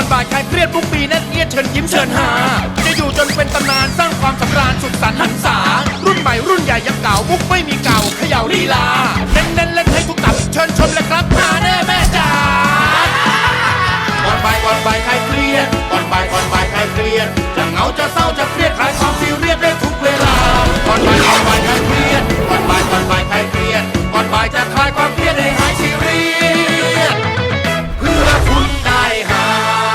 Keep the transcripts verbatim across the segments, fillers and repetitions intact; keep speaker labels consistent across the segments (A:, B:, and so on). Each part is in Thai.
A: บ่ายคลายเครียดทุกปีแน่นเอียดเชิญยิ้มเชิญหาจะอยู่จนเป็นตำนานสร้างความสำราญสุดสันต์หันษารุ่นใหม่รุ่นใหญ่ยังเก่ามุกไม่มีเก่าเขย่าลีลาเน้นเน้นเล่นให้ทุกตับเชิญชมเลยครับมาแน่แม่จ๋าก่อนบ่ายก่อนบ่ายคลายเครียดก่อนบ่ายก่อนบ่ายคลายเครียดจะเหงาจะเศร้าจะเครียดคลายความซีเรียสได้ทุกเวลาก่อนบ่ายก่อนบ่ายคลายเครียดก่อนบ่ายก่อนบ่ายคลายเครียดก่อนบ่ายจะคลายความเครียดให้หายซีเรียสเพื่อคุณได้หา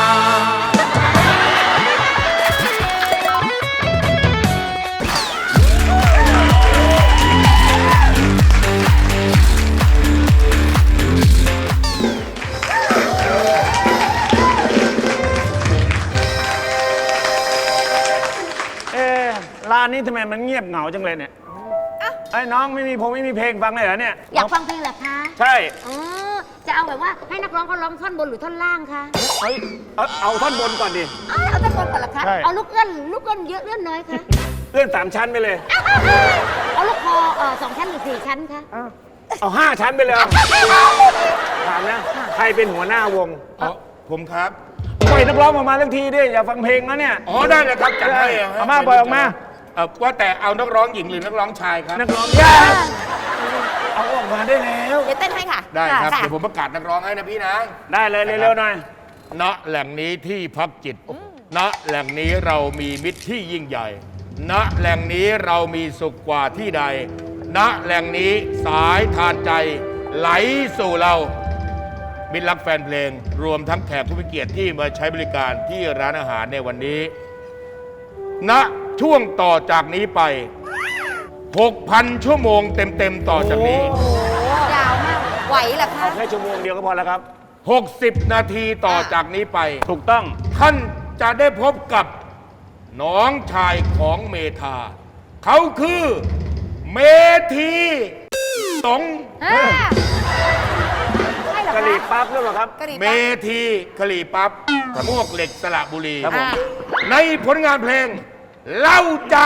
B: ร้านนี้ทำไมมันเงียบเหงาจังเลยเนี่ยไอ้น้องไม่มีผมไม่มีเพลงฟังเลยเหรอเนี่ย
C: อยากฟังเพลงเหรอคะ
B: ใช่
C: อ๋อจะเอาแบบว่าให้นักร้องเขาร้องท่อนบนหรือท่อนล่างคะ
B: เฮ้ยเอาเอาท่อนบนก่อนดิ
C: เอาเอาท่อนบนก่อนเหรอคะ
B: ใช่
C: เอาลูกเอื้อนลูกเอื้อนเยอะเอื้อนน้อยคะ
B: เลื่อนสามชั้นไปเลย
C: เอาลูกคอเอ่อสองชั้นหรือสี่ชั้นคะ
B: เอาห้าชั้นไปเลยถามนะใครเป็นหัวหน้าวง
A: อ๋อผมครับ
B: ปล่อยนักร้องออกมาทั้งทีดิอย่าฟังเพลงนะเนี่ย
A: อ๋อได้เลยครับจัดให้
B: เอามาปล่อยออกมา
A: เออว่าแต่เอานักร้องหญิงหรือนักร้องชายครับ
B: นักร้องยาเอาออกมาได้แล้ว
C: เดี๋ยวเต้นให้ค่ะ
A: ได้ครับ
C: ะ
A: เดี๋ยวผมประกาศนักร้องให้นะพี่นะ
B: ได้เลยเร็วๆหน่อย
A: ณแหล่งนี้ที่พักจิต ณแหล่งนี้เรามีมิตรที่ยิ่งใหญ่ ณแหล่งนี้เรามีสุขกว่าที่ใด ณแหล่งนี้สายทานใจไหลสู่เรามิตรรักแฟนเพลง รวมทั้งแขกผู้มีเกียรติที่มาใช้บริการที่ร้านอาหารในวันนี้ ณช่วงต่อจากนี้ไป หกพัน ชั่วโมงเต็มๆต่อจากนี้
C: โอ้ยาวมาก ไหวเหรอคะ
B: เอาแค่ชั่วโมงเดียวก็พอแล้วครับ
A: หกสิบ นาทีต่อจากนี้ไป
B: ถูกต้อง
A: ท่านจะได้พบกับน้องชายของเมธา เขาคือเมธีสง
C: อ่าใช่เหรอก
B: ะหรี่
C: คะ
B: ปั๊บหรือเปล่าครับ
C: กะหรี่
A: เม
C: ปั๊บ
A: ธีกะหรี่ปั๊บมวกเหล็กสระบุรี
B: ครับผม
C: อ่า
A: ในผลงานเพลง เล่าจ้า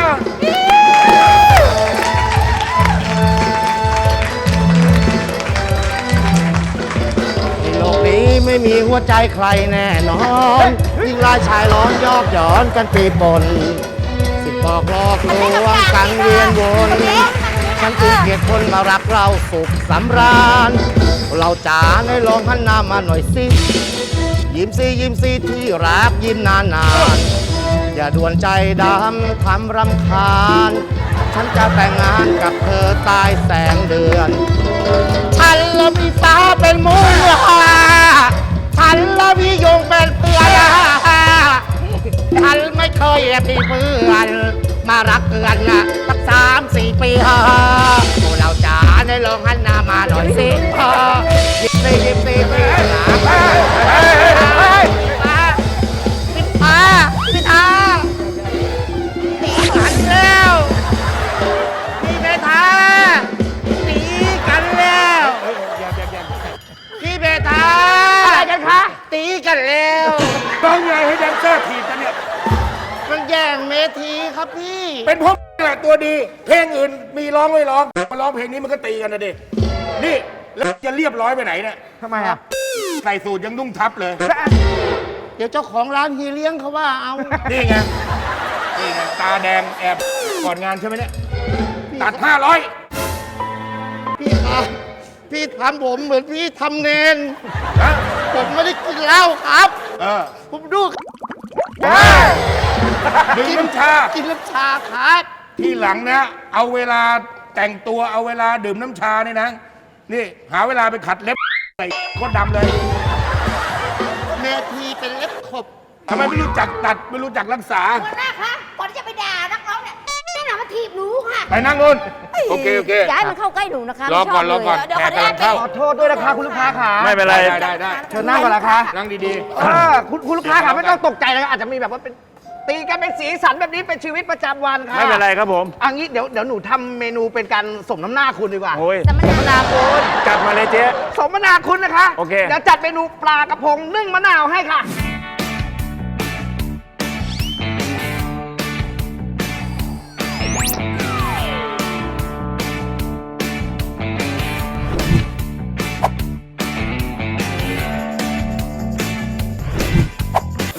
D: ในโลกนี้ไม่มีหัวใจใครแน่นอนยิ่งรายชายร้อนยอกหย้อนกันปีปนสิบบอกหลอกลวงกันเวียนวนฉันจึงเกลียดคนมารักเราสุขสำราญ เราจ๋าได้ลองหันหน้ามาหน่อยสิยิ้มสิยิ้มสิที่รักยิ้มนานนานๆอย่าด่วนใจดำทำรำคาญ ฉันจะแต่งงานกับเธอใต้แสงเดือน ฉันและพี่สาวเป็นมูลฉันและพี่ยงเป็นเพื่อนฉันไม่เคยมีเพื่อนมารักเพื่อนสักสามสี่ปีพวกเราจ๋าได้ลองหันหน้ามาหน่อยสิยิ้มสิยิ้มสิพี่หนาพี่ตาพี่ตาหันแล้วพี่เมธาตีกันแล้วพี่เมธาอะไรกันคะตีกันแล้ว
A: ต้องไงให้แดนเซอร์ถีบกันเนี่ย
D: มันแย่งเมทีครับพี่
A: เป็นเพราะแหละตัวดี เพลงอื่นมีร้องไม่ร้อง มาร้องเพลงนี้มันก็ตีกันนะดิ นี่ แล้วจะเรียบร้อยไปไหนเนี่ย
D: ทำไมอ่ะ
A: ใส่สูตรยังนุ่งทับเลย
D: เดี๋ยวเจ้าของร้านฮีเลี้ยงเขาว่าเอา
A: นี่ไง นี่ไง ตาแดงแอบก่อนงานใช่ไหมเนี่ย ตัดห้าร้อย
D: พี่ครับพี่ทำผมเหมือนพี่ทำเนน
A: นะ
D: ผมไม่ได้กินเหล้าครับ
A: เออ
D: ผมดู
A: ดื่มน้ำชา
D: กินน้ำชาครับ
A: ที่หลังนะ เอาเวลาแต่งตัวเอาเวลาดื่มน้ำชาเนี่ยนะ นี่ หาเวลาไปขัดเล็บใส่โคตรดำเลย
D: เมทีเป็นเล็บขบ
A: ทำไมไม่รู้จักตัดไม่รู้จักรักษา
C: หัวหน้าคะ ก่อนที่จะไปด่านักร้องเนี่ยนี่หนามาถีบหนูค่ะ
A: ไปนั่งนู่นโอเค โอเค
C: ย้ายมันเข้าใกล้หนูนะคะ
A: รอก่อน
C: ไม่ชบ
A: รอก่อน
C: เลยเดี๋ยว
A: แข
C: ขอก อนุ
A: กำลั
C: ญาง ต
A: เข้า
D: ขอโทษด้วยนะคะคุณลูกค้าขา
B: ไม่เป็นไร
A: ได้ได้ได้
D: เชิญนั่งก่อนนะคะ
A: นั่งดี
D: เออคุณคุณลูกค้าขาไม่ต้องตกใจนะอาจจะมีแบบว่าเป็นตีกันเป็นสีสันแบบนี้เป็นชีวิตประจำวันค่ะ
B: ไม่เป็นไรครับผม
D: อันนี้เดี๋ยวเดี๋ยวหนูทำเมนูเป็นการสมน้ำหน้าคุณดีกว่า
B: โอ้ย
C: สมนาคุณ
B: จัดมาเลยเจ๊
D: สมนาคุณนะคะ
B: โอเค
D: เดี๋ยวจัดเมนูปลากระพงนึ่งมะนาวให้ค่ะ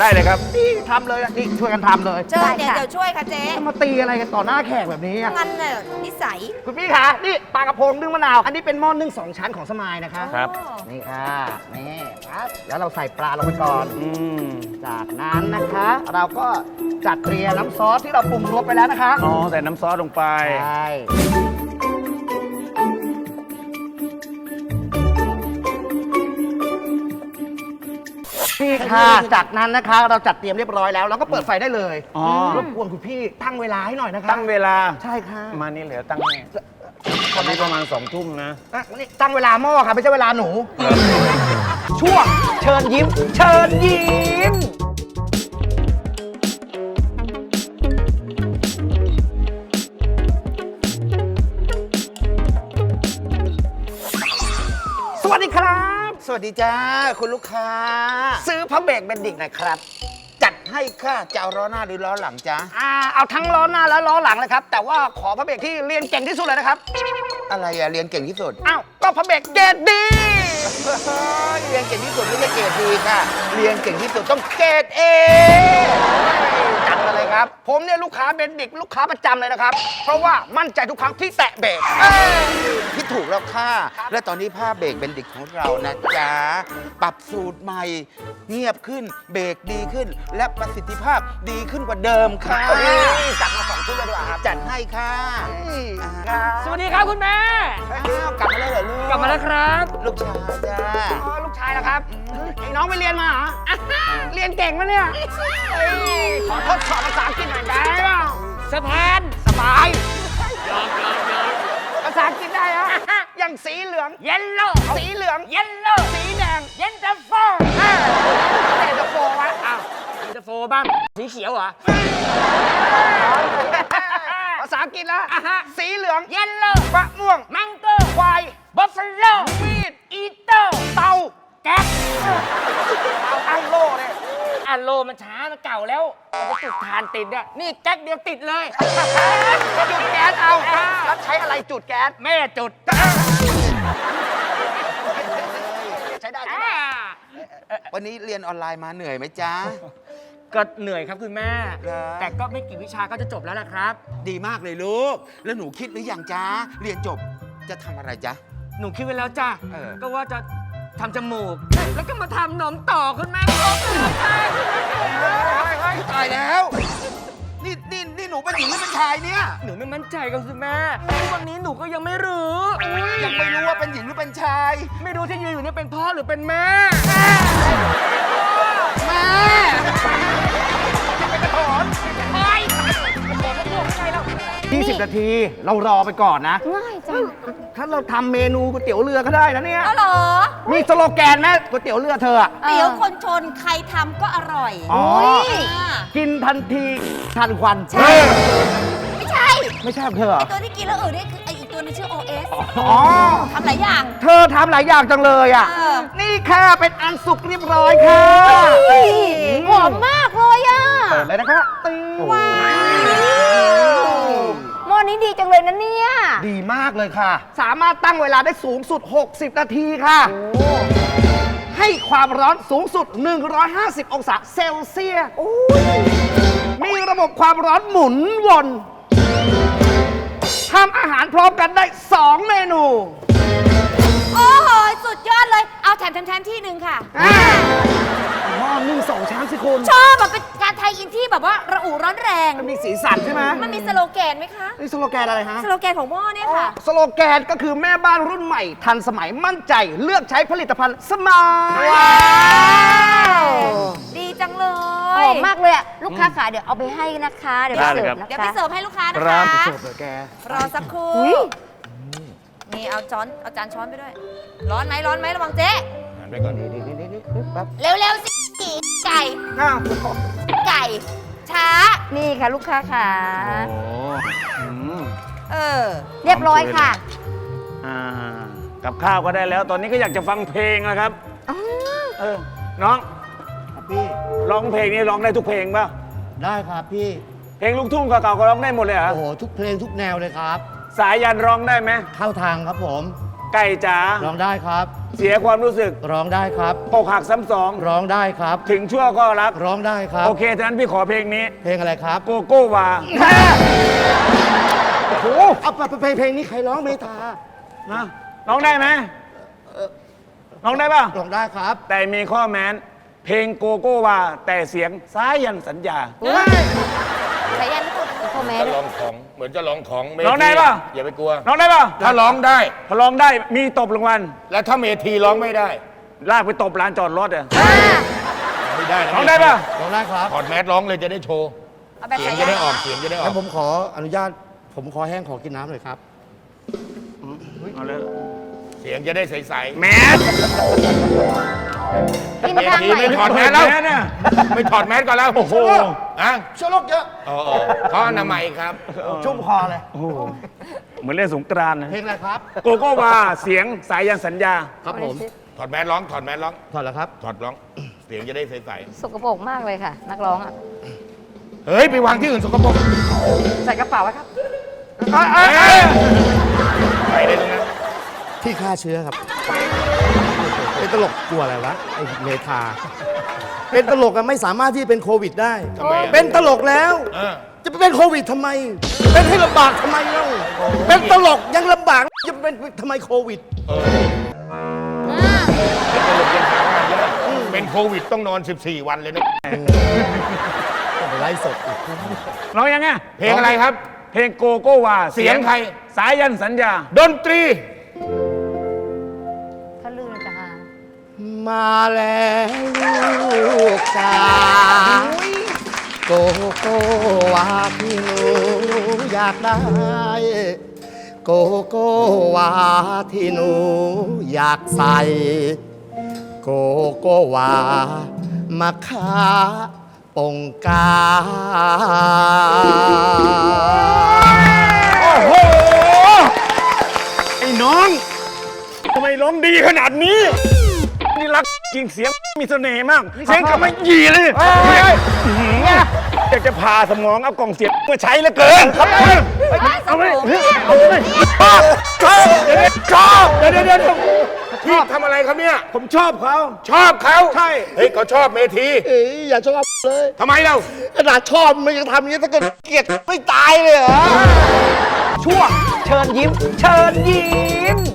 B: ได้เลยครับ
D: นี่ทำเลยนะนี่ช่วยกันทำเลย
C: เชิญเดี๋ยวเดี๋ยวช่วยค่ะเจ๊
D: จะมาตีอะไรกันต่อหน้าแขกแบบนี้อะ
C: งั้นน่ะนิสัย
D: คุณพี่คะนี่ปลากระพงนึ่งมะนาว อันนี้เป็นหม้อนึ่งสองชั้นของสมายนะคะ
B: ครับ
D: นี่ค่ะนี่ครับแล้วเราใส่ปลาลงไปก่อน
B: อืม
D: จากนั้นนะคะ เราก็จัดเตรียมน้ำซอสที่เราปรุงรสไปแล้วนะคะ
B: อ๋อใส่น้ำซอสลงไป
D: ใช่นี่ค่ะจากนั้นนะคะ เราจัดเตรียมเรียบร้อยแล้วเราก็เปิดไฟได้เลย
B: อ๋อ
D: รบกวนคุณพี่ตั้งเวลาให้หน่อยนะคะ
B: ตั้งเวลา
D: ใช่ค่ะ
B: มานี่เหลือตั้งนี่ตอนนี้ประมาณสองทุ่มนะ
D: อ่ะนี่ตั้งเวลาหม้อค่ะไม่ใช่เวลาหนู ช่วงเชิญยิ้ม เชิญยิ้ม สวัสดีครับ
E: สวัสดีจ้า คุณลูกค้า
D: ซื้อพระเบรกเบนดิกหน่อยครับ
E: จัดให้ค่ะจะเอาล้อหน้าหรือล้อหลังจ้า
D: อ่าเอาทั้งล้อหน้าและล้อหลังเลยครับ แต่ว่าขอพระเบรกที่เรียนเก่งที่สุดเลยนะครับ
E: อะไรอะเรียนเก่งที่สุด
D: อ้าวก็พระเบรกเกรดดี
E: เฮ้ยเรียนเก่งที่สุดไม่ใช่เกรดดีค่ะ เรียนเก่งที่สุดต้องเกรดเอ
D: จัดมาเลยครับ ผมเนี่ยลูกค้าเบนดิกลูกค้าประจำเลยนะครับ เพราะว่ามั่นใจทุกครั้งที่แตะเบรก
E: คิดถูกแล้วค่ะ และตอนนี้ผ้าเบรกเบนดิกของเรานะจ๊ะ ปรับสูตรใหม่ เงียบขึ้น เบรกดีขึ้น และประสิทธิภาพดีขึ้นกว่าเดิมค่ะ
D: จัดมาสองชุดเลยดีกว่าครับ
E: จัดให้ค่ะอ่า
B: สวัสดีครับคุณแม่
E: อ้าวกลับมาแล้วเหรอลูก
B: กลับมาแล้วครับ
E: ลูกชายจ้า
D: อ๋อลูกชายแล้วครับไอ้น้องไปเรียนมาเหรออ่ะเรียนเก่งมะเนี่ยเอ้ยขอทดสอบภาษาอังกฤษหน่อยได้เปล่า
B: สะพาน
D: สบายภาษาอังกฤษได้เหรออย่างสีเหลือง
B: เยลโล่
D: สีเหลือง
B: เยลโล่
D: สีแดง
B: เย็นตาโฟ
D: อ่าแต่จะโฟวะ
B: อ้าวเย็นตาโฟบ้างสีเขียวเหรอ
D: ภาษาอังกฤษแล้ว
B: อ่ะฮะ
D: สีเหลือง
B: เยลโล่
D: มะม่วง
B: มังโก้
D: ควาย
B: บัฟฟาโล
D: มีด
B: อีโต้
D: เตา
B: แก๊ส
D: เอาอังโล่เลย
B: อันโลมันช้ามันเก่าแล้วมันจะจุดทานติดอะนี่แก๊กเดียวติดเลย
D: จุดแก๊สเอาแล้วใช้อะไรจุดแก๊ส
B: แม่จุด
D: ใช้ได้ใช่
B: อ่า
D: ไหม
E: วันนี้เรียนออนไลน์มาเหนื่อยไหมจ๊ะ
B: ก็เหนื่อยครับคุณแม่
E: เหรอ
B: แต่ก็ไม่กี่วิชาก็จะจบแล้วล่ะครับ
E: ดีมากเลยลูก แล้วหนูคิดหรือยังจ๊ะ เรียนจบจะทำอะไรจ๊ะ
B: หนูคิดไว้แล้วจ้ะ
E: เออ
B: ก็ว่าจะทำจมูก แล้วก็มาทำหนมต่อคุณแม่ครบเลยค่ะ
E: ตายแล้ว นี่นี่นี่หนูเป็นหญิงหรือเป็นชายเนี่ย
B: หนูไม่มั่นใจกับคุณแม่ทุกวันนี้หนูก็ยังไม่รู้
E: ยังไม่รู้ว่าเป็นหญิงหรือเป็นชาย
B: ไม่รู้ที่ยืนอยู่เนี่ยเป็นพ่อหรือเป็นแม่
E: แม่
D: ยี่สิบนาที เรารอไปก่อนนะ
C: ง่ายจัง
D: ถ้าเราทำเมนูก๋วยเตี๋ยวเรือก็ได้นะเนี่ย
C: เอาเหรอ
D: มีสโลแกนไหมก๋วยเตี๋ยวเรือเธออะ
C: เตี๋ยวคนชนใครทำก็อร่อย
D: อ๋อ
C: า
D: กินทันทีทันควัน
C: ใช่ ไม่ใช่
D: ไม่ใช่ของเธอเหรอ
C: ไอตัวที่กินแล้วอื่นนี่คือไออีกตัวนึงชื่อ โอ เอส
D: อ๋อ
C: ทำหลายอย่าง
D: เธอทำหลายอย่างจังเลยอ่ะ
C: เออ
D: นี่ค่ะเป็นอันสุกเรียบร้อยค่ะ
C: หอมมากเลยอ่ะ
D: เปิดเลยนะคะตี
C: ว้าวหม้อนี้ดีจังเลยนะเนี่ย
D: ดีมากเลยค่ะ สามารถตั้งเวลาได้สูงสุด หกสิบ นาทีค่ะ ให้ความร้อนสูงสุด หนึ่งร้อยห้าสิบ องศาเซลเซียสมีระบบความร้อนหมุนวนทำอาหารพร้อมกันได้ สอง เมนู
C: โอ้โห สุดยอดเลย เอาแถมแถมแถมที่หนึ่งค่ะ
D: หม้อนึ่งสองช้างสิคุณ
C: ชอบแบบเป็นการไทยอินที่แบบว่าระอุร้อนแรง
D: มันมีสีสันใช่ไหม
C: มันมีสโลแกนไหมคะ
D: นี่สโลแกนอะไรฮะ
C: สโลแกนของหม้อเนี่ยค่ะ
D: สโลแกนก็คือแม่บ้านรุ่นใหม่ ทันสมัยมั่นใจเลือกใช้ผลิตภัณฑ์สมาย
C: ว้าว ดีจังเล
F: ห
C: ย
F: อมมากเลยอะลูกค้าขาเดี๋ยวเอาไปให้นะคะ เดี๋ยวไป
B: ได้เลย
F: เสิร์
B: ครับ
F: ฟนะ
C: เดี๋ยวไป
F: คะ
C: เสิร์ฟให้ลูกค้านะ
B: ครั
C: คะ
B: บ
D: เสิร์ฟเลยแก
C: รอสักครู่
F: อุ๊ย
C: นี่เอาช้อน เอาจานช้อนไปด้วย ร้อนไหมร้อนไหมระวังเจ๊
B: หันไปก่อน
D: นี่นี่นี่นี่แป๊บ
C: เร็วๆสิไก่
D: อ้าว
C: ไก่ ช้า
F: นี่ค่ะลูกค้าขา
B: โอ้อืม
C: เออ
F: เรียบร้อยค่ะ
B: อ่ากับข้าวก็ได้แล้ว ตอนนี้ก็อยากจะฟังเพลงนะครับ
F: อ๋อ
B: เออ น้อง
D: ครับพี่
B: ร้องเพลงนี้ร้องได้ทุกเพลงป่ะ
D: ได้ครับพี่
B: เพลงลูกทุ่งเก่าๆก็ร้องได้หมดเลยเหรอ
D: โอ้โห ทุกเพลงทุกแนวเลยครับ
B: สายันร้องได้ไหม
D: เข้าทางครับผม
B: ไก่จ๋า
D: ร้องได้ครับ
B: เสียความรู้สึก
D: ร้องได้ครับ
B: อกหักซ้ำสอง
D: ร้องได้ครับ
B: ถึงชั่วก็รัก
D: ร้องได้ครับ
B: โอเคฉะนั้นพี่ขอเพลงนี้
D: เพลงอะไรครับ
B: โกโก้วา
D: โอ้โหเอาเพลงเพลงนี้ใครร้องเมตา
B: นะร้องได้ไหมร้องได้ป่ะ
D: ร้องได้ครับ
B: แต่มีข้อแม้น เพลงโกโก้วาแต่เสียงสายันสัญญา
F: สายันนี่ก็พ่อแม่
A: จะ
F: ด้
A: ล
F: วย
A: องของเหมือนจะลองของเม
B: ร้องได้
A: ที
B: ปะ
A: อย่าไปกลัว
B: ร้องได้ป่ะ
A: ถ้าร้องได้
B: ถ้าร้องได้มีตบรางวัล
A: แล้วถ้าเมทีร้องไม่ได้
B: ลากไปตบร้านจอดรถอ่ะ
A: ไม่ได้นะ
B: ร้องได้ป่ะ
D: ร้องได้ครับ
A: ถอดแมสร้องเลยจะได้โชว์
C: เอาแบบ
A: เสียง
C: สา
A: จะ
C: ยัน
A: ได้ออกเสียงจะได้ออ
D: งั้
A: ก
D: นผมขออนุญาต ผมขอแห้งขอกินน้ำหน่อยครับ
B: เอาเลย
A: เสียงจะได้ใส
B: แมส
F: กิน
A: ๆเม
F: ทาง
A: ที
F: ไหน
A: ไม่ถอดแมสแล้ว
B: เนี่ย
A: ไม่ถอดแมสก่อนแล้ว โอ้โหอ่ะ
D: เชื้อโรคเยอะ
A: เออเออเขาอนามัยครับ
D: ชุ่มคอเลย
B: โอ้โหเหมือนเล่นสงกรานต์นะ
D: เพลงอะไรครับ
B: โกโก้วาเสียงสายันสัญญา
D: ครับผม
A: ถอดแมสร้อง ถอดแมสร้อง
D: ถอดแล้วครับ
A: ถอดร้อง เสียงจะได้ใส
F: สกปรกมากเลยค่ะ นักร้องอ่ะ
A: ๆเฮ้ย ไปวางที่อื่นสกปรก
F: ใส่กระเป๋าไว้ครับ
A: เอ้ยไปได้ตรงนั้น
D: ที่ฆ่าเชื้อครับ เป็นตลกกลัวอะไรวะ ไอ้เมทา เป็นตลกอะไม่สามารถที่จะเป็นโควิดได้
A: ทำไมอะ
D: เป็นตลกแล้ว
A: เออ
D: จะไปเป็นโควิดทำไม เป็นให้ลำบากทำไมเล่า เป็นตลกยังลำบากจะเป็นทำไมโควิด
A: เป็นโควิดต้องนอน สิบสี่ วันเลยนะ
D: ต้องไปไล่สดอีก
B: ร้องยังไง
A: เพลงอะไรครับ
B: เพลงโกโก้วา
A: เสียงใคร
B: สายันสัญญา
A: ดนตรี
F: ถ้าลื่นจะหา
D: มาแล้วลูกจ๋าโกโก้วาที่หนูอยากได้ โกโก้วาที่หนูอยากใส่ โกโก้วามาค้าปงกา
B: โอ้โห ไอ้น้องทำไมร้องดีขนาดนี้ นี่รักจริงเสียงมีเสน่ห์มาก เสียงกับไม่หยีเลยอื้อหืออยากจะพาสมองเอากล่องเสียงมาใช้เหลือเกินครับเอาไปเอาไปชอบชอบเดี๋ยวชอบเดี๋ยวเดี๋ยวเดี๋ยว
A: พี่ทำอะไรครับเนี่ย
B: ผมชอบเขา
A: ชอบเขา
B: ใช่
A: เฮ้ยเขาชอบเมที
D: เอ้ยอย่าชอบเลย
A: ทำไมเรา
D: ขนาดชอบมันยังทำอย่างนี้ถ้าเกิดเกลียดไม่ตายเลยเหรอ
B: ช่วงเชิญยิ้ม เชิญยิ้ม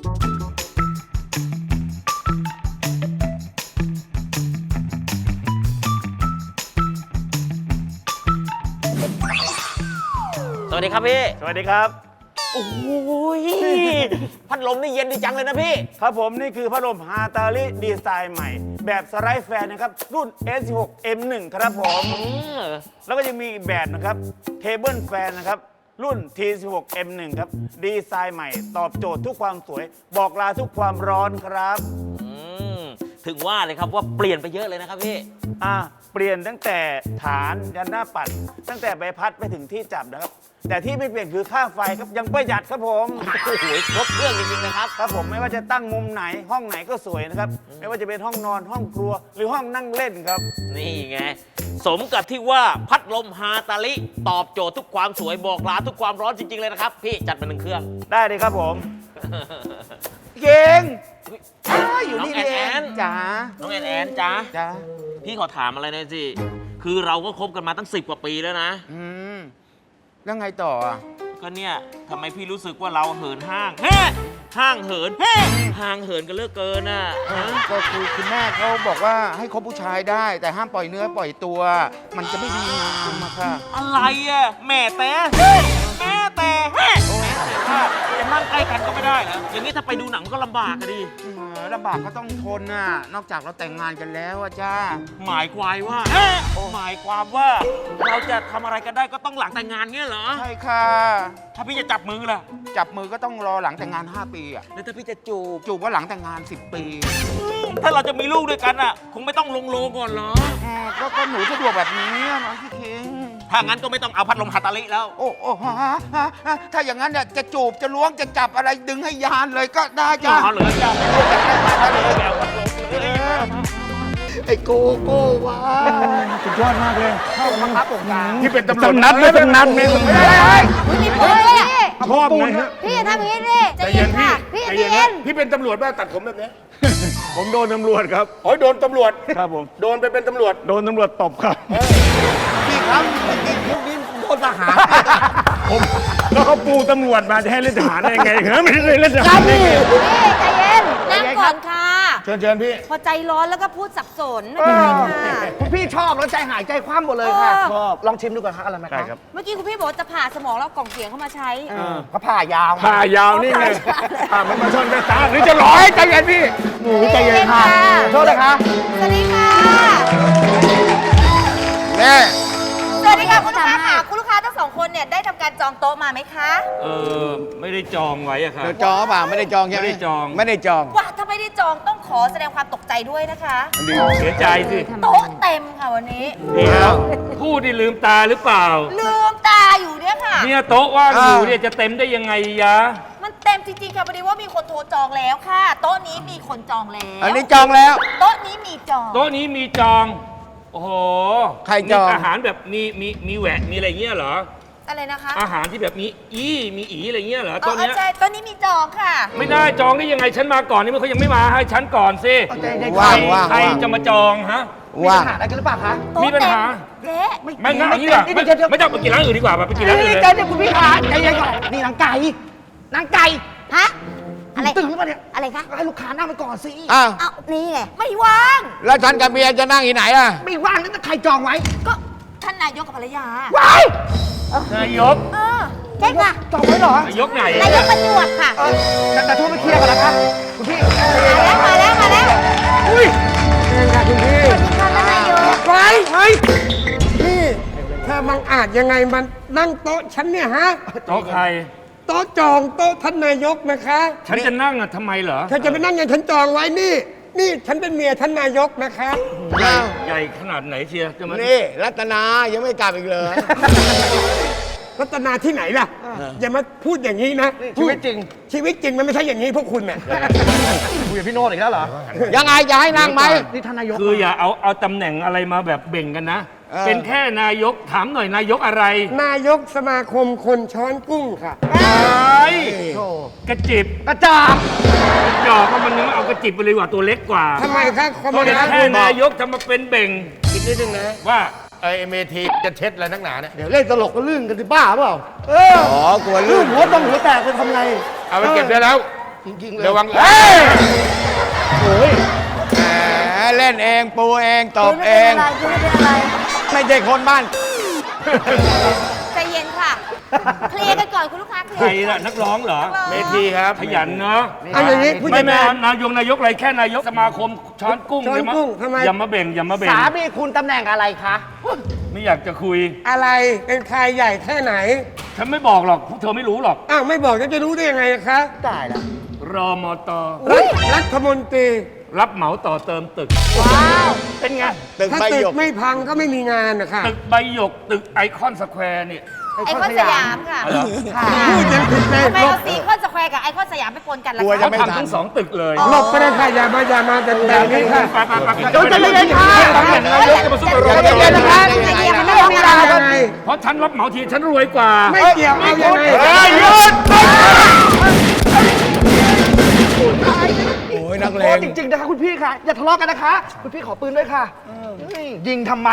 G: สวัสดีครับพี่
B: สวัสดีครับ
G: โอ้ยพัดลมนี่เย็นดีจังเลยนะพี่
B: ครับผมนี่คือพัดลมฮาตาลิดีไซน์ใหม่ แบบสไลด์แฟนนะครับ รุ่น เอส สิบหก เอ็ม หนึ่ง ครับผม แล้วก็ยังมีอีกแบบนะครับเทเบิลแฟนนะครับ รุ่น ที สิบหก เอ็ม หนึ่ง ครับ ดีไซน์ใหม่ ตอบโจทย์ทุกความสวย บอกลาทุกความร้อนครับ
G: อืม ถึงว่าเลยครับว่าเปลี่ยนไปเยอะเลยนะครับพี่
B: อ่ะเปลี่ยนตั้งแต่ฐานยันหน้าปัด ตั้งแต่ใบพัดไปถึงที่จับนะครับ แต่ที่ไม่เปลี่ยนคือค่าไฟครับยังประหยัดครับผม
G: โอ้โหครบเครื่องจริงๆนะครับ
B: ครับผมไม่ว่าจะตั้งมุมไหนห้องไหนก็สวยนะครับ ไม่ว่าจะเป็นห้องนอนห้องครัว หรือห้องนั่งเล่นครับ
G: นี่ไง สมกับที่ว่าพัดลมฮาตาลิ ตอบโจทย์ทุกความสวยบอกลาทุกความร้อนจริง ๆ เลยนะครับ พี่จัดมาหนึ่งเครื่อง
B: ได้เลยครับผม
E: เก่ง
G: อยู่นี่เอง
E: จ๋า
G: น้องแอนแอนจ้า
E: จ๋า
G: พี่ขอถามอะไรหน่อยสิ คือเราก็คบกันมาตั้งสิบกว่าปีแล้วนะ
E: อืมแล้วไงต่ออ่ะ
G: ก็เนี่ยทำไมพี่รู้สึกว่าเราเหินห้างเฮ้ห้างเหินเฮ้ห่างเหินกันเหลือกเกินน่ะฮะ
E: ก็คือคุณแม่เขาบอกว่าให้คบผู้ชายได้ แต่ห้ามปล่อยเนื้อปล่อยตัว มันจะไม่ดีงามอะค่ะ
G: อะไรอ่ะแม่แต่เฮ้แม่แต่เฮ้แม่แต่ว่าจะนั่งใกล้กันก็ไม่ได้เหรออย่างนี้ถ้าไปดูหนังก็ลำบากอะดิ
E: เออลำบากก็ต้องทนน่ะ นอกจากเราแต่งงานกันแล้วอะจ้า
G: หมายความว่าเฮ้หมายความว่าเราจะทำอะไรกันได้ก็ต้องหลังแต่งงานเงี้ยเหรอ
E: ใช่ค่ะ
G: ถ้าพี่จะจับมือล่ะ
E: จับมือก็ต้องรอหลังแต่งงาน ห้า ปีอะ
G: แล้วถ้าพี่จะจูบ
E: จูบว่าหลังแต่งงาน สิบ ปี
G: ถ้าเราจะมีลูกด้วยกันอ่ะ คงไม่ต้องลงโลก่อนเหรอ
E: อ่าก็ก็หนูสะดวกแบบนี้อะน้องพี่คิง
G: ถ้างั้นก็ไม่ต้องเอาพัดลมฮาตาลิแล้ว
E: โอ้โอ้ฮะฮะฮะถ้าอย่างนั้นเนี่ยจะจูบจะล้วงจะจับอะไรดึงให้ยานเลยก็ได้จ้า
G: เอาเหลือจ้า
D: ไอ้โกโก้วา
B: สุดยอดมากเลย
D: เข้ามาครับผมกลาง
A: ที่เป็นตำรวจ
B: ต้องนัดไม่ต้องนัดไม่ต้องนัด
F: พี่พี่
B: ชอบไงฮะ
F: พี่อย่าทำอย่างนี้ดิ
A: ใจเย็นพี่
F: พี่
C: ใจเย็น
A: พี่เป็นตำรวจบ้าตัดผมแบบนี้
B: ผมโดนตำรวจครับ
A: โอ้ยโดนตำรวจ
B: ครับผม
A: โดนไปเป็นตำรวจ
B: โดนตำรวจตบครับ
D: พี่ครับจริงๆพวกนี้โดนทหาร
B: ผมแล้วเขาปูตำรวจมาจะให้เล่นทหารได้ยังไงครับไม่ได้เล่นทหารได้ไง
C: ๆนี่ใจเย็น นั่งก่อนค่ะ
A: เชิญเชิญพี่
C: พอใจร้อนแล้วก็พูดสับสนไม่เป็นไรค่ะ
D: คุณพี่ชอบแล้วใจหายใจคว่ำหมดเลยค่ะ
C: เออ
D: ชอบลองชิมดูก่อนครับอะไรไหม
B: ได้
D: คะ
B: ครับ
C: เมื่อกี้คุณพี่บอกว่าจะผ่าสมองแล้วเอากล่องเสียงเข้ามาใช้
D: ก็ผ่ายาว
B: ผ่ายาวนี่ไง
C: ผ่า
B: ผ่ามันมาชนกันตาหรือจะร้อยใจเย็นพี่
D: หนูใจเย็นค่ะ
C: ใจเย็นค่ะ
D: โทษนะคะ
C: สวัสดีค่ะ
E: แม่
C: สวัสดีค่ะคุณลูกค้าค่ะคุณลูกค้าทั้งสองคนเนี่ยได้ทำการจองโต๊ะมาไหมคะ
G: เออ ไม่ได้จองไว้อะค่ะ
E: เดี๋ยวจองเปล่าไม่ได้จองใช่ไหม
G: ไม่ได้จอง
E: ไม่ได้จอง
C: ว่าถ้าไม่ได้จองต้องขอแสดงความตกใจด้วยนะคะ
G: เสียใจสิ
C: โต๊ะเต็มค่ะวันนี้
G: เดี๋ยวพูดที่ลืมตาหรือเปล่า
C: ลืมตาอยู่เนี่ยค่ะ
G: เนี่ยโต๊ะว่างอยู่เนี่ยจะเต็มได้ยังไงยะ
C: มันเต็มจริงๆค่ะพอดีว่ามีคนโทรจองแล้วค่ะ โต๊ะนี้มีคนจองแล้ว
E: อันนี้จองแล้ว
C: โต๊ะนี้มีจอง
G: โต๊ะนี้มีจอง โอ้โห
E: ใครจอง
G: มีอาหารแบบมีมีมีแหวะมีอะไรเงี้ยเหรอ
C: อะไรนะคะ
G: อาหารที่แบบมีอีมีอีอะไรเงี้ยเหรอ
C: อ๋
G: โต๊ะ
C: อ
G: เนี้ย
C: ใช่โต๊ะนี้มีจองค่ะ
G: ไม่ได้จองได้ยังไงฉันมาก่อนนี่มันเขายังไม่มาให้ฉันก่อนสิ
E: ว่างว่าง
G: ใคร
E: ว่าง
G: จะมาจองฮะ
D: มี
E: ว่าง
D: ปัญหาอะไรกันหรือเปล่าคะ
C: โต๊ะ
G: มีปัญหา
C: เจ๊
G: ไม่งั้นเอางี้ดีกว่าไม่ไม่ต้องไปกินร้านอื่นดีกว่าไปกินร้านอื่น
D: นี่
G: เลย
D: ใจเย็นคุณพี่ขาใจเย็นก่อนนี่นางไก่นางไก่
C: ฮะ อะไร
D: ตื่นหรือเปล่าเนี่ย
C: อะไรคะ
D: ให้ลูกค้านั่งไปก่อนสิ
E: อ้าว
C: เอานี่ไง ไม่ว่าง
E: แล้วฉันกับเมียจะนั่งที่ไหนอ่ะ
D: ไม่ว่างนั่นใครจองไว้
C: ก็ท่านนายกกับภรรยา
D: ว้าย
G: นายก
C: เออใช่ค่ะ
D: จองไว้เหรอน
G: ายกไหน
C: นายกประจวบค่ะ
D: เออแต่แต่โทรไปเคลียร์ก่อนนะคะคุณพี่
C: มาแล้วมาแล้วมาแล้ว
D: อุ้ยเองค่ะคุณพี่
C: สวัสดีค่ะท่านนายก
H: ไว้เฮ้ยนี่ถ้าบังอาจยังไงมันนั่งโต๊ะฉันเนี่ยฮะ
G: โต๊ะใคร
H: โต๊ะจองโต๊ะท่านนายกนะคะ
G: ฉันจะนั่งอ่ะทำไมเหรอ
H: เธอจะไปนั่งอย่างฉันจองไว้นี่ นี่ฉันเป็นเมียท่านนายกนะคะ
G: ใหญ่ใหญ่ขนาดไหนเชียร์จะมา
E: นี่รัตนายังไม่กลับอีกเลย
H: รัตนาที่ไหนล่ะ อย่ามาพูดอย่างนี้นะ
D: ชีวิตจริง
H: ชีวิตจริงมันไม่ใช่อย่างนี้พวกคุณน่ะ
D: คุยกับพี่โน้ตอีกแล้วเหรอ
E: ยังไงจะให้นั่งไหม
D: นี่ท่านนายก
G: คืออย่าเอาเอาตำแหน่งอะไรมาแบบเบ่งกันนะ
E: เออ
G: เป็นแค่นายกถามหน่อยนายกอะไร
H: นายกสมาคมคนช้อนกุ้งค่ะ
G: ไอ้กระจิบ
D: กระจาบ
G: กระจอกมันนึงเอากระจิบไปเลยว่าตัวเล็กกว่า
H: ทำไมคะคอม
G: เป็น
H: มิวนิสต์
G: แค่นายกทำมาเป็นเบ่ง
A: อีกนิดนึงนะ
G: ว่า
A: ไอ้เมทีจะเช็ดอะไรนักหนาเนี่ย
D: เดี๋ยวเล่นตลกก็ลื่นกันสิบ้าเปล่า เออ
E: อ๋อกลัว
D: ลื่
E: ลื่
D: น
E: น
D: หัวตรงหัวแตกไปทำไง
A: เอาไปเก็บได้แล้ว
D: จริงๆเลย
A: ระวัง
E: เฮ้ยแหมเล่นเองปูเองตบเอง
C: ไม่เป็นอะไร
E: ไม่ใช่คนบ้าน
C: ใจเย็นค่ะ เคลียร์กันก่อนคุณลูกค้าเคลี
G: ใคร
C: ยร์
G: ล่ะนักร้องเหรอ
A: เมทีครับ
G: ขยันเนาะ
H: เอาอย่างนี้ผู้
G: ไม่
H: จัด
G: ไม่
H: การ
G: นายกนายกอะไรแค่นายกสมาคมช้อนกุ้ง
H: ช้อน
G: อย่ามา
H: กุ้งทำไม
G: อย่ามาเบ่งอย่ามาเบ่ง
D: สามีคุณตำแหน่งอะไรคะ
G: ไม่อยากจะคุย
H: อะไรเป็นใครใหญ่แค่ไหน
G: ฉันไม่บอกหรอกพวกเธอไม่รู้หรอก
H: อ้าวไม่บอกจะรู้ได้ยังไงคะ
D: ตายแล้ว
G: รอมต
H: รัฐรัฐมนตรี
G: รับเหมาต่อเติมตึก
C: ว้าว
G: เป็นไง
E: ตึก
H: ถ้า
E: ใบ
H: ตึ
E: หย
H: ก
E: ก
H: ไม่พังก็ไม่มีงานนะคะ
G: ตึกใบหยก ตึกไอคอนสแควร์เนี่ย
C: ไอคอนสยามค่ะ
G: เหรอ
H: พูดยังผิดเลย
C: ทำไม
H: หล
C: เอา
H: บ
C: ซีคอนสแควร์กับไอคอนสยามไปปนกันล่ะ
E: กลัว
C: คะ
E: จะ
G: เขาทำทั้งสองตึกเลย
H: หลบไปเลยค่ะอย่ามาอย่ามาแต่แบบนี้ค่ะ
G: ไปไปไป
D: เดี๋ยวจะเย็นๆค่ะ
G: ตำแหน่งนายกจะมาสู้กับรอ
D: ใจเย็นๆนะคะ
C: ใจเย็นๆ
H: มัน
C: ไม่
H: ไม่
C: ต้
H: มี
C: อง
H: เวลายังไง
G: เพราะฉันรับเหมาทีฉันรวยกว่า
H: ไม่เกี่ยวเอายังไง
G: เฮ้ยหยุด
E: โอ้ยนักเล
D: โอ้
E: ง
D: จริงๆนะคะคุณพี่ค่ะ อย่าทะเลาะกันนะคะ คุณพี่ขอปืนด้วยค่ะเฮ้ยยิงทำไม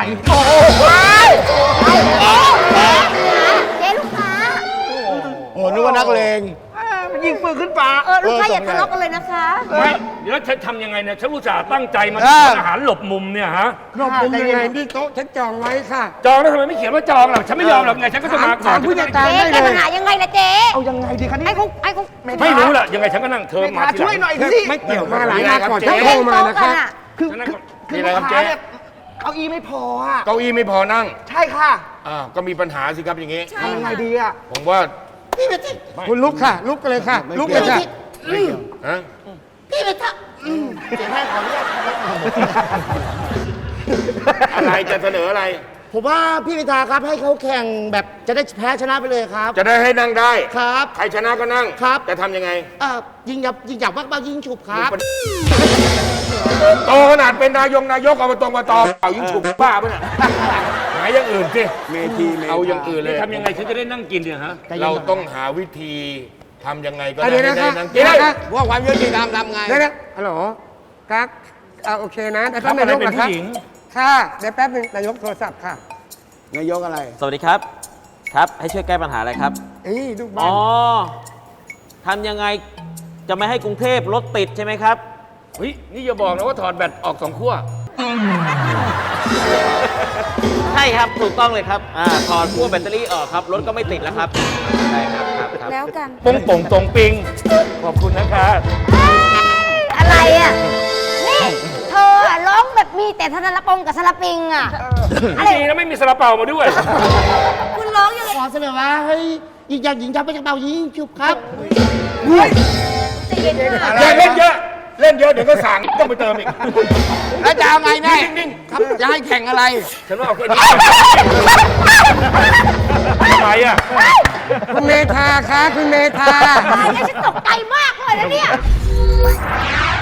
C: เจ๊ลูกค้า
E: โอ้นึกว่านักเลง
D: เอ้ยมันยิงปืนขึ้นฟ้า
C: เออลูกค้าอย่าทะเลาะกันเลยนะคะ
G: ไม่แล้วฉันทำยังไงเนี่ยฉันรู้จักตั้งใจมา
E: เออ
G: ทำอาหารหลบมุมเนี่ยฮะ
H: หลบมุมยังไงนี่โต๊ะฉันจองไว้ค่ะ
G: จองแล้วทำไมไม่เขียนว่าจองล่ะฉันไม่ยอมหรอกไงฉันก็จะมาก่อ
H: ถาน มผู้จัดการ
C: เจ๊แก้ปัญหายังไงล่ะเจ๊
D: เอายังไงดีคะนี่
C: ไอ้เขาไอ้เขา
G: ไม่รู้ล่ะยังไงฉันก็นั่งเธอ
D: เม
G: มา
D: ธา
G: ที
D: ช่วยหน่อยสิ
H: ไม่เกี่ยวมาหลายหน้าก่อน
A: เจ๊
H: ฉันโทรมานะคะ
D: คือ
G: ฉันนั่ง
D: คือคือ
A: มีอะไร
D: ลู
A: ครับ
D: ก
A: เจ๊
D: ค้าเนี่ยเก้าอี้ไม่พออ่ะ
A: เก้าอี้ไม่พอนั่ง
D: ใช่ค่ะ
A: อ้าวก็มีปัญหาสิครับอย่างงี้
D: ทำยังไงดีอ่ะ
A: ผมว่า
H: คุณลุกค่ะ ลุกกันเลยค่ะ ลุกเลยค่ะ
A: ฮะ อะไรจะเสนออะไร
D: ผมว่าพี่พิธาครับให้เขาแข่งแบบจะได้แพ้ชนะไปเลยครับ
A: จะได้ให้นั่งได้
D: ครับ
A: ใครชนะก็นั่ง
D: ครับ
A: จะทำยังไง
D: เอ่อยิงหยับยิงหยับมากบ้างยิงฉุบครับ
A: โตขนาดเป็นนายกนายกอบตอบตเอายิงฉุบบ้าปะเนี่ยหาอย่างอื่นสิ
E: เมทีเม
A: เอาอย่างอื่นเลย
G: ทำยังไงฉันจะได้นั่งกินเนี่ยฮะ
A: เราต้องหาวิธีท
B: ทำยังไงก็
H: อ่ะ
B: ได้
H: เดี๋ยว
B: ให้
H: นะ
B: ได้
H: คะ
B: นาง
H: เดี๋ยว
B: เก
H: นะ
B: ด
H: คะ
D: ว่าความยุติธรรมทำไง
H: เดี๋ยวนะฮัลโหลกั๊กอ่าโอเคนะแต่ท่าน
B: ครับ
H: นายก
B: อะไรเป็น
H: เหรอครับ
B: ผู้หญิง
H: ค่ะเดี๋ยวแป๊บนึงนายกโทรศัพท์ค่ะ
D: นายกอะไร
G: สวัสดีครับ ครับ ให้ช่วยแก้ปัญหาอะไรครับ
H: เอ้ยลูกบ้า
G: อ๋
H: น
G: อทำยังไงจะไม่ให้กรุงเทพรถติดใช่ไหมครับ
B: เฮ้ยนี่อย่าบอกนะว่าถอดแบตออกสองขั้ว
G: ใช่ครับถูกต้องเลยครับอ่าถอดขั้วแบตเตอรี่ออกครับ รถก็ไม่ติดแล้วครับใช่ครับครับครับ
C: แล้วกัน
B: ปงป่งตรงปิง ขอบคุณนะคะ
C: อะไรอ่ะ นี่ เธออะร้องแบบมีแต่ธนรปงกับสลับปิงอ่ะ อะไร
B: ดีนะไม่มีซาลาเปามาด้วย
C: คุณร้องยังไง
D: ขอเสนอว่าให้หญิงจากหญิงจับไปจากเป่ายิงฉุบครับ
C: จะเย็นมาก
B: อย่าเล่นเยอะ เล่นเยอะเดี๋ยวก็สั่งต้องไปเติมอีก
D: แล้วจะเอาไงแน่
B: นิ่ง
D: ครับจะให้แข่งอะไร
B: ๆ ฉันว่าเอาแค่นี้ทำไมอ่ะ
H: คุณเมธาคะคุณเมธา
C: ตายแล้วฉันตกใจมากเลยนะเนี่ย